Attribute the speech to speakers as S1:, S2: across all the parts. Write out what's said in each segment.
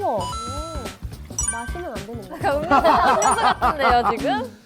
S1: 우와. 마시면 안 되는 거야.
S2: 음료수 같은데요, 지금?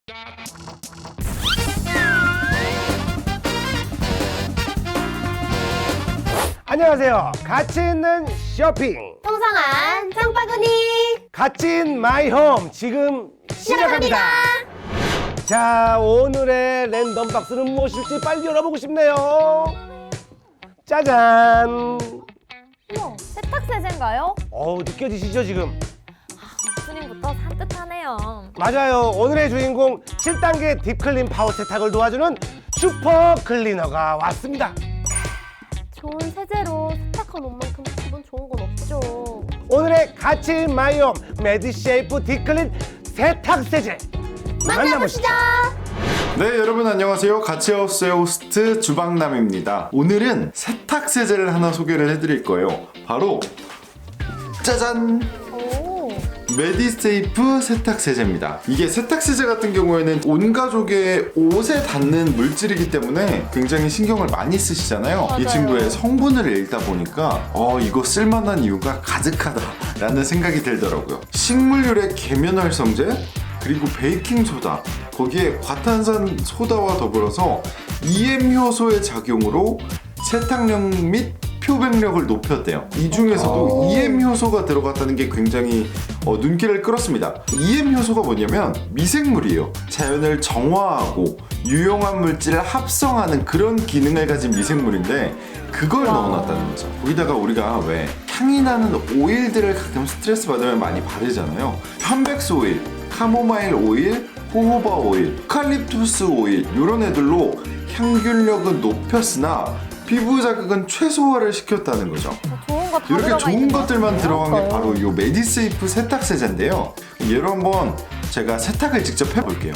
S3: 안녕하세요. 가치 있는 쇼핑,
S1: 통상한 장바구니
S3: 가치 인 마이 홈 지금 시작합니다. 자, 오늘의 랜덤 박스는 무엇일지 빨리 열어보고 싶네요. 짜잔.
S2: 우와, 세탁세제인가요?
S3: 느껴지시죠 지금?
S2: 오프닝부터 산뜻하네요.
S3: 맞아요. 오늘의 주인공 7단계 딥클린 파워 세탁을 도와주는 슈퍼 클리너가 왔습니다.
S1: 좋은 세제로 세탁한 옷만큼 기분 좋은 건 없죠.
S3: 오늘의 가치 인 마이 홈 메디쉐이프 딥클린 세탁 세제
S1: 만나보시죠.
S4: 네, 여러분 안녕하세요. 가치하우스의 호스트 주방남입니다. 오늘은 세탁 세제를 하나 소개를 해드릴 거예요. 바로 짜잔!
S1: 오.
S4: 메디세이프 세탁 세제입니다. 이게 세탁 세제 같은 경우에는 온 가족의 옷에 닿는 물질이기 때문에 굉장히 신경을 많이 쓰시잖아요. 이 친구의 성분을 읽다 보니까 이거 쓸만한 이유가 가득하다라는 생각이 들더라고요. 식물유래 계면활성제, 그리고 베이킹소다, 거기에 과탄산 소다와 더불어서 EM 효소의 작용으로 세탁력 및 표백력을 높였대요. 이 중에서도 EM 효소가 들어갔다는 게 굉장히 눈길을 끌었습니다. EM 효소가 뭐냐면 미생물이에요. 자연을 정화하고 유용한 물질을 합성하는 그런 기능을 가진 미생물인데 그걸 넣어놨다는 거죠. 거기다가 우리가 왜 향이 나는 오일들을 가끔 스트레스 받으면 많이 바르잖아요. 편백스 오일, 카모마일 오일, 호호바 오일, 유칼립투스 오일 이런 애들로 향균력은 높였으나 피부 자극은 최소화를 시켰다는 거죠.
S2: 좋은 거 다
S4: 이렇게
S2: 들어가
S4: 좋은
S2: 있는 것
S4: 것들만
S2: 같아요.
S4: 들어간 게 바로 이 메디세이프 세탁 세제인데요. 얘를 한번 제가 세탁을 직접 해볼게요.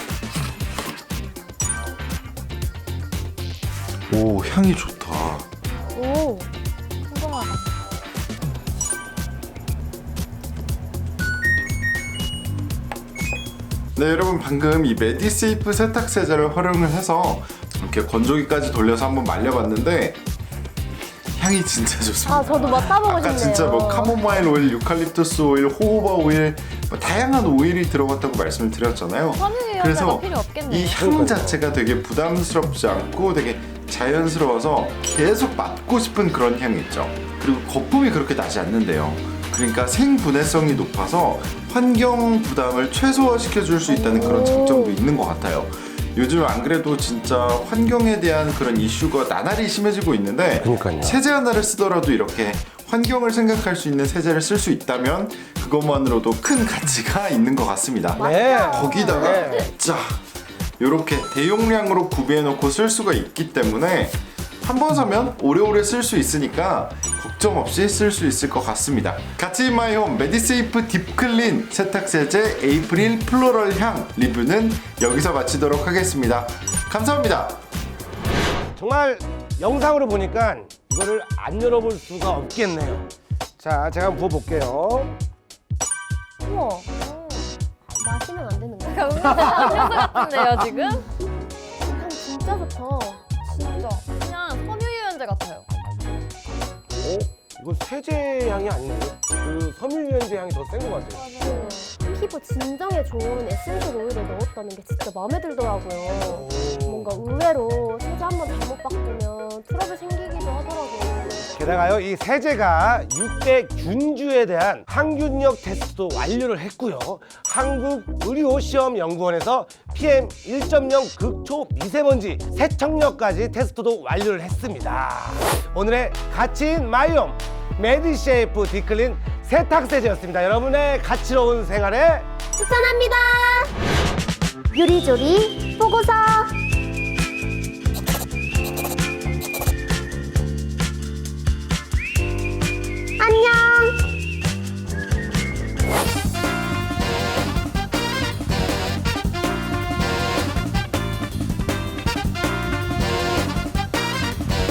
S4: 오, 향이 좋다.
S2: 오, 궁금하다.
S4: 네, 여러분 방금 이 메디세이프 세탁 세제를 활용을 해서 이렇게 건조기까지 돌려서 한번 말려봤는데 향이 진짜 좋습니다.
S1: 아, 저도 맡아보고
S4: 아까
S1: 싶네요.
S4: 진짜 뭐 카모마일 오일, 유칼립투스 오일, 호호바 오일 다양한 오일이 들어갔다고 말씀을 드렸잖아요.
S2: 섬유유연제가
S4: 그래서
S2: 필요 없겠네요.
S4: 이 향 자체가 되게 부담스럽지 않고 되게 자연스러워서 계속 맡고 싶은 그런 향이 있죠. 그리고 거품이 그렇게 나지 않는데요. 그러니까 생분해성이 높아서 환경 부담을 최소화시켜 줄 수 있다는 그런 장점도 있는 것 같아요. 요즘 안 그래도 진짜 환경에 대한 그런 이슈가 나날이 심해지고 있는데
S3: 그러니까요.
S4: 세제 하나를 쓰더라도 이렇게 환경을 생각할 수 있는 세제를 쓸 수 있다면 그것만으로도 큰 가치가 있는 것 같습니다.
S3: 네.
S4: 거기다가
S3: 네.
S4: 자 이렇게 대용량으로 구비해 놓고 쓸 수가 있기 때문에 한 번 사면 오래오래 쓸 수 있으니까 걱정 없이 쓸 수 있을 것 같습니다. 가치 인 마이 홈 메디세이프 딥클린 세탁세제 에이프릴 플로럴 향 리뷰는 여기서 마치도록 하겠습니다. 감사합니다.
S3: 정말 영상으로 보니까 이거를 안 열어볼 수가 없겠네요. 자, 제가 한번 부어볼게요.
S1: 우와. 마시면 안 되는 거야.
S2: 음료수 같은데요, 지금?
S1: 향 진짜 좋다.
S2: 진짜. 그냥 섬유유연제 같아요.
S3: 이거 세제 향이 아닌데? 그 섬유유연제 향이 더 센 것 같아요.
S1: 피부 진정에 좋은 에센셜 오일을 넣었다는 게 진짜 마음에 들더라고요. 뭔가 의외로 세제 한번 잘못 바꾸면 트러블 생기기도 하더라고요.
S3: 게다가요, 이 세제가 6대 균주에 대한 항균력 테스트도 완료를 했고요. 한국의료시험연구원에서 PM 1.0 극초 미세먼지 세척력까지 테스트도 완료를 했습니다. 오늘의 가치인 마이홈 메디쉐이프 딥클린 세탁세제였습니다. 여러분의 가치로운 생활에
S1: 추천합니다. 요리조리 보고서.